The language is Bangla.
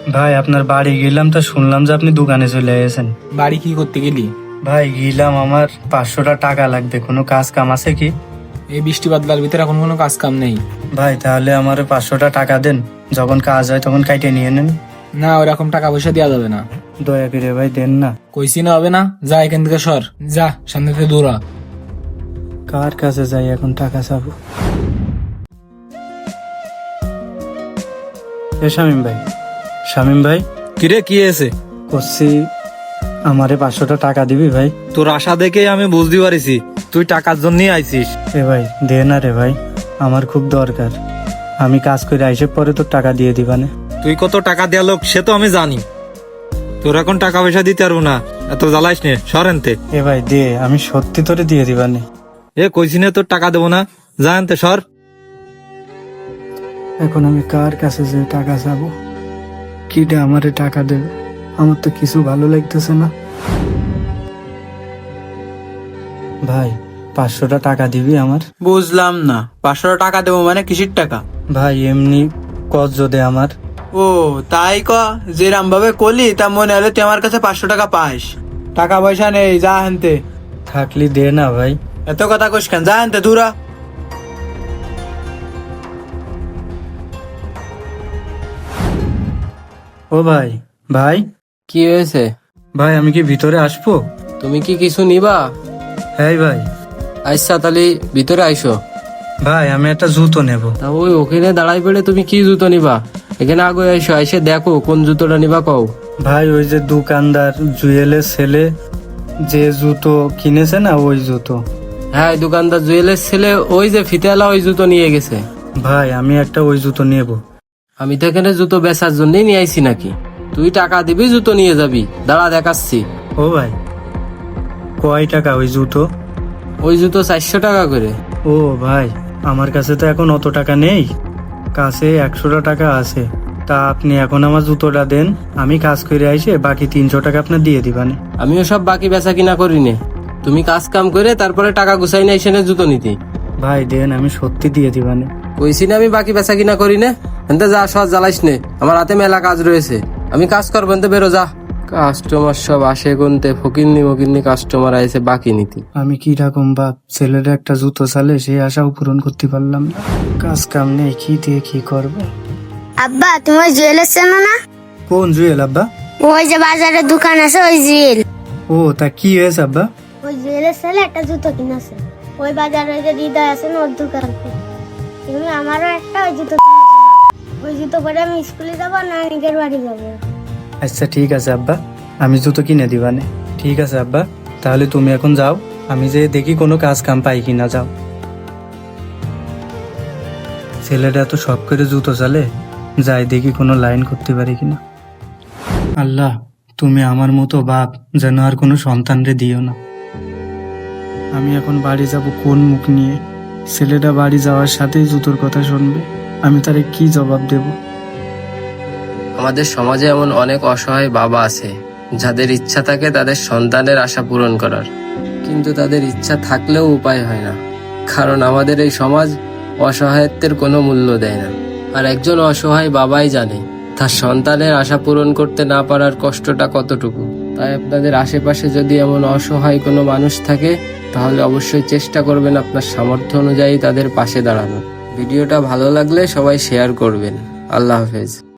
ভাই আপনার বাড়ি গেলাম, তো শুনলাম যে আপনি দোকানে চলে গেছেন। বাড়ি কি করতে গেলি? ভাই গেলাম, আমার 500টা টাকা লাগবে, কোনো কাজ কাম আছে কি? এই বৃষ্টি বাদলার ভিতরে এখন কোনো কাজ কাম নেই। ভাই তাহলে আমার 500টা টাকা দেন, যখন কাজ হয় তখন কাইটে নিয়ে নেন। না, ওরকম টাকা পয়সা দেওয়া যাবে না। দয়া করে ভাই দেন না। কইছি না হবে না, যা এখান থেকে সর, যা সামনে থেকে দূরা। কার কাছে যাই এখন টাকা চাবো? শামিম ভাই, শামিম ভাই, কিরে কি হয়েছে? করছি আমারে 500টা টাকা দিবি ভাই? তোর আশা দেখে আমি বুঝতে পারিছি তুই টাকার জন্যই আইছিস। এ ভাই দে না রে ভাই, আমার খুব দরকার। আমি কাজ করে আইসে পরে তোর টাকা দিয়ে দিবানে। তুই কত টাকা দেয়া লোক সে তো আমি জানি, তোর এখন টাকা পয়সা দিতে পারবো না, এত জ্বালাইস নে, সরেনতে। এ ভাই দে, আমি সত্যি তোরে দিয়ে দিবানে। এ কইছি না তোর টাকা দেবো না, জানতে সর। এখন আমি কার কাছে যে টাকা চাবো? কিটা আমারে টাকা দেবে? আমার তো কিছু ভালো লাগতেছে না। ভাই 500টা টাকা দিবি আমার? বুঝলাম না, 500 টাকা দেবো মানে কিসির টাকা? ভাই এমনি কত যদি আমার। ও তাই ক, যেরাম ভাবে কলি তা মনে হলে তুই আমার কাছে 500 টাকা পাস। টাকা পয়সা নেই, যা হানতে। থাকলি দে না ভাই। এত কথা কইস কেন, যা হানতে দূরা। ও ভাই, ভাই কি হয়েছে? ভাই আমি কি ভিতরে আসবো? তুমি কি কিছু নিবা? হ্যাঁ ভাই। আচ্ছা তাহলে ভিতরে আইসো। ভাই আমি একটা জুতো নেব। তা ওই ওখানে দাঁড়াই পড়ে তুমি কি জুতো নিবা? এখানে আগে আইসো, আইসে দেখো কোন জুতোটা নিবা কও। ভাই ওই যে দোকানদার জুয়েলের ছেলে যে জুতো কিনেছে না, ওই জুতো। হ্যাঁ, দোকানদার জুয়েলের ছেলে ওই যে ফিতেলা ওই জুতো নিয়ে গেছে। ভাই আমি একটা ওই জুতো নেব। আমি তো এখানে জুতো বেচার জন্যই নিয়ে আইছি নাকি? তুই টাকা দিবি, জুতো নিয়ে যাবি। দাঁড়া দেখাচ্ছি। ও ভাই কয় টাকা ওই জুতো? ওই জুতো 400 টাকা করে। ও ভাই আমার কাছে তো এখন অত টাকা নেই, কাছে 100টা টাকা আছে। তা আপনি এখন আমার জুতোটা দেন, আমি কাজ করে আইসে বাকি 300 টাকা আপনার দিয়ে দিবানে। আমিও সব বাকি বেচা কিনা করি নে, তুমি কাজ কাম করে তারপরে টাকা গুছাই না এসে জুতো নিতে। ভাই দেন, আমি সত্যি দিয়ে দিবানে। কইছি না আমি বাকি বেচা কিনা করি না। এনতে যা, সব জ্বালাইস নে, আমার হাতে মেলা কাজ রয়েছে, আমি কাজ করবো। এনতে বেরো যা। কাস্টমার সব আসে গুনতে, ফকিন্নি মকিন্নি কাস্টমার আইছে বাকি নিতে। আমি কি রকম বাপ, ছেলের একটা জুতো চালে সেই আশাও পূরণ করতে পারলাম না। কাজ কাম নেই, কি দিয়ে কি করবো? আব্বা, তুমি জুয়েলার চেনো না? কোন জুয়েল আব্বা? ওই যে বাজারে দোকান আছে, ওই জুয়েল। ও তা কি হয়েছে আব্বা? ওই জুয়েলের ছেলে একটা জুতো কিনেছে ওই বাজারে, ওই যে হৃদয় আছে না, ওর দোকান। তুমি আমারও একটা ওই জুতো কিনেছিলাম। ওই জুতো পরে আমি স্কুলে যাবো না নিজের বাড়ি যাবো। আচ্ছা ঠিক আছে আব্বা, আমি জুতো কিনে দিবানে। ঠিক আছে আব্বা, তাহলে তুমি এখন যাও, আমি যে দেখি কোনো কাজ কাম পাই কিনা। যাও। ছেলেটা তো শখ করে জুতো চালে, যাই দেখি কোনো লাইন করতে পারি কিনা। আল্লাহ তুমি আমার মতো বাপ যেন আর কোনো সন্তানরে দিও না। আমি এখন বাড়ি যাব কোন মুখ নিয়ে? ছেলেটা বাড়ি যাওয়ার সাথেই জুতোর কথা শুনবে, আমি তারে কি জবাব দেব? আমাদের সমাজে এমন অনেক অসহায় বাবা আছে যাদের ইচ্ছা থাকে তাদের সন্তানের আশা পূরণ করার, কিন্তু তাদের ইচ্ছা থাকলেও উপায় হয় না, কারণ আমাদের এই সমাজ অসহায়ত্বের কোনো মূল্য দেয় না। আর একজন অসহায় বাবাই জানে তার সন্তানের আশা পূরণ করতে না পারার কষ্টটা কতটুকু। তাই আপনাদের আশেপাশে যদি এমন অসহায় কোনো মানুষ থাকে তাহলে অবশ্যই চেষ্টা করবেন আপনার সামর্থ্য অনুযায়ী তাদের পাশে দাঁড়ানো। ভিডিওটা ভালো লাগলে সবাই শেয়ার করবেন। আল্লাহ হাফেজ।